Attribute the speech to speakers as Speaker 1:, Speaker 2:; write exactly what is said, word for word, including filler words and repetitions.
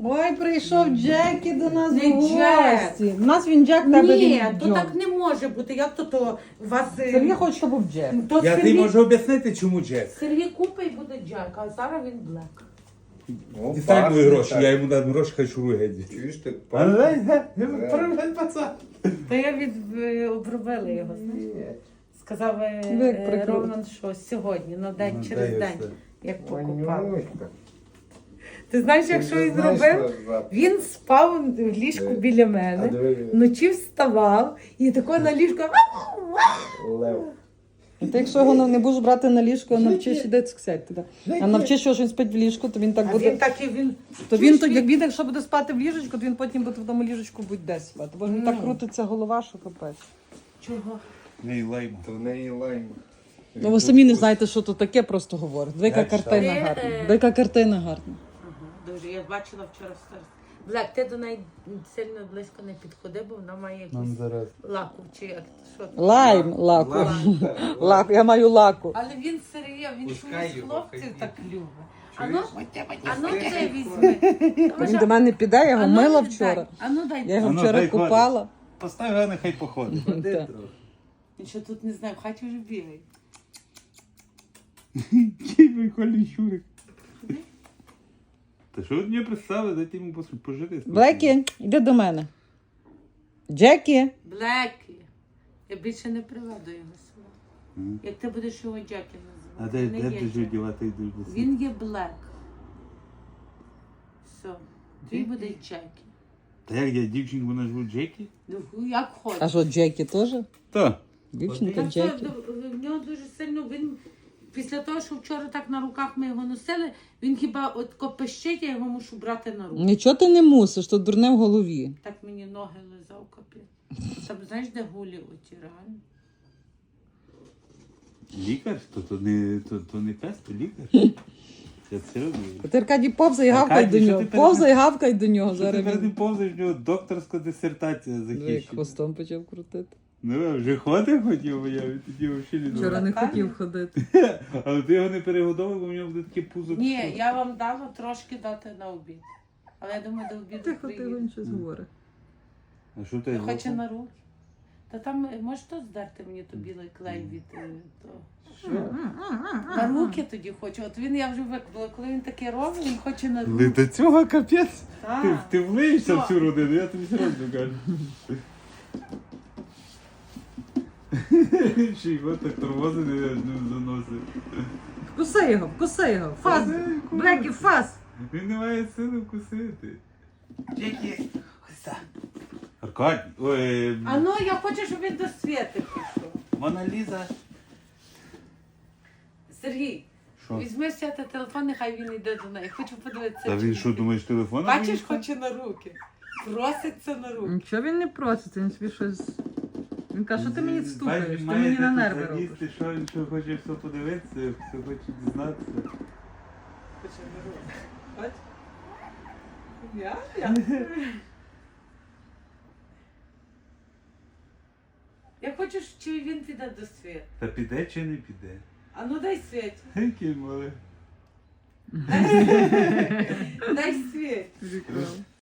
Speaker 1: Ой, прийшов Джекі до нас
Speaker 2: Не
Speaker 1: в гості. У нас він Джек, тебе
Speaker 2: Ні,
Speaker 1: він
Speaker 2: то
Speaker 1: Джон.
Speaker 2: так не може бути. Як то то у вас... е,
Speaker 1: Сергій хоче, щоб був Джек.
Speaker 2: То
Speaker 3: Я
Speaker 2: Сергій...
Speaker 3: тобі можу об'яснити, чому Джек.
Speaker 2: Сергій купить і буде Джек, а зараз він Блек.
Speaker 3: Дістань мої гроші, я йому дам гроші, хай шурує геть.
Speaker 4: Чуєш ти?
Speaker 3: Привет, пацан.
Speaker 2: Та я від е, обробила його, знаєш. Сказав е,
Speaker 1: Ви як
Speaker 2: е,
Speaker 1: прикрутили.
Speaker 2: Роман, що сьогодні, на день
Speaker 3: Ну,
Speaker 2: через
Speaker 3: дай
Speaker 2: день,
Speaker 3: все.
Speaker 2: як покупав.
Speaker 4: Манюська.
Speaker 2: Ти знаєш, як що він зробив? Він спав в ліжку біля мене, вночі вставав і тако на ліжку.
Speaker 4: Лев.
Speaker 1: І ти, якщо його не будеш брати на ліжко, навчиш іде цуксять туди. А навчиш, що він спить в ліжку, то він так
Speaker 2: А
Speaker 1: буде.
Speaker 2: він так і він.
Speaker 1: То він, то, як він, якщо буде спати в ліжечку, то він потім буде в тому ліжечку будь-де спати. Бо він так крутиться голова, що капець.
Speaker 2: Чого?
Speaker 3: Не лайма.
Speaker 4: То в неї лайм.
Speaker 1: Ну ви самі не знаєте, що то таке, просто говорить. Двійка
Speaker 3: Я
Speaker 1: картина
Speaker 2: читаю.
Speaker 1: гарна.
Speaker 2: Е,
Speaker 1: Двійка картина гарна.
Speaker 2: Ага, дуже. Я бачила вчора в сторіс. Блек, ти до неї сильно близько не підходи, бо вона має якусь
Speaker 3: зараз.
Speaker 2: лаку чи як що.
Speaker 1: Лайм, лаку. Лаку, я маю лаку.
Speaker 2: Але він Сергій, він
Speaker 4: Пускай
Speaker 2: чомусь
Speaker 4: його,
Speaker 2: хлопців
Speaker 4: хай
Speaker 2: так любить. А ну,
Speaker 4: Чуєш?
Speaker 2: а ну ти візьми.
Speaker 1: Та він до мене піде, я його
Speaker 2: А ну,
Speaker 1: мила
Speaker 2: дай.
Speaker 1: вчора.
Speaker 2: А ну дай.
Speaker 1: Я його
Speaker 3: А ну,
Speaker 1: вчора
Speaker 3: дай ходить.
Speaker 1: купала.
Speaker 3: Постав його, нехай походить.
Speaker 1: Так.
Speaker 2: Він що тут не знаю, в хаті вже бігає.
Speaker 3: Який прикольний щурик. Та що ви мені представили, дайте йому пос- пожити.
Speaker 1: Блекі, іди до мене. Джекі.
Speaker 2: Блекі. Я більше не приведу його сюди.
Speaker 3: Мгм.
Speaker 2: Як ти будеш його Джекі
Speaker 3: А
Speaker 2: називати?
Speaker 3: де,
Speaker 2: Не
Speaker 3: де
Speaker 2: є
Speaker 3: ти ж
Speaker 2: Джек.
Speaker 3: дівати йдеш до себе?
Speaker 2: Він є Блек. Все. Твій буде Джекі.
Speaker 3: Та як я дівчинку назву Джекі?
Speaker 2: Ну, як
Speaker 1: А
Speaker 2: хочеш.
Speaker 1: що, Джекі теж?
Speaker 3: Так.
Speaker 1: Дівчинка
Speaker 2: Та
Speaker 1: Джекі.
Speaker 2: що, в нього дуже сильно, він, після того, що вчора так на руках ми його носили, він хіба от копищить, я його мушу брати на руку.
Speaker 1: Нічого ти не мусиш, то дурне в голові.
Speaker 2: Так мені ноги лизав капець. Там знаєш, де гулі оті реально?
Speaker 3: Лікар? То, то, не, то, то не пес, то лікар. Я це роблю.
Speaker 1: Ти, Аркадій, повзай і гавкай
Speaker 3: Аркадій,
Speaker 1: до
Speaker 3: що
Speaker 1: нього.
Speaker 3: ти перед-
Speaker 1: Повзай і гавкай до нього.
Speaker 3: Що ти
Speaker 1: Зараз
Speaker 3: перед
Speaker 1: він
Speaker 3: ним повзаєш, в нього докторська дисертація
Speaker 1: як
Speaker 3: захищена.
Speaker 1: хвостом почав крутити.
Speaker 3: Ну, а вже ходив хотів, бо я від тоді взагалі не
Speaker 1: Вчора
Speaker 3: думав.
Speaker 1: не
Speaker 2: Аркадій?
Speaker 1: хотів ходити.
Speaker 3: Але ти його не перегодовував, бо в нього буде таке пузо.
Speaker 2: Ні, я вам дала трошки дати на обід. Але я думаю, до обіду
Speaker 1: Тихо, тихо,
Speaker 2: приїду.
Speaker 1: він щось говорить.
Speaker 3: А що ти?
Speaker 2: Хоче на руки. Та там е, можеш то здерти мені то білий клей від е, того. На руки тоді хочу. От він я вже виклала, коли він таке робить, він хоче на руки.
Speaker 3: До цього капець. Ти,
Speaker 2: Так.
Speaker 3: ти влиєшся в
Speaker 2: Що?
Speaker 3: цю родину, я тобі серйозно кажу. Ще його так тормозити, я ж не заносив.
Speaker 1: Вкуси його, вкуси його. Фас, Блекі, фас.
Speaker 3: Він не має сили вкусити. Джекі, ось так. Аркадій, ой,
Speaker 2: А ну я хочу, щоб він до світи пішов.
Speaker 3: Мона Ліза.
Speaker 2: Сергій,
Speaker 3: Що?
Speaker 2: візьми сяти телефон, нехай він йде до неї. Хочу подивитися.
Speaker 3: Та
Speaker 2: чи
Speaker 3: він що, думаєш, телефон?
Speaker 2: Бачиш, хоче на руки. Проситься на руки.
Speaker 1: Нічого він не просить, він собі щось. Він каже, що ти мені стукаєш, ти мені на нерви робиш.
Speaker 3: Ти що, він що хоче все подивитися, все хоче дізнатися.
Speaker 2: Хоче на руки. Бач? Я? Я. Я хочу, чи він піде до світу.
Speaker 3: Та піде чи не піде?
Speaker 2: А ну дай світ.
Speaker 3: Який малий.
Speaker 2: Дай світ.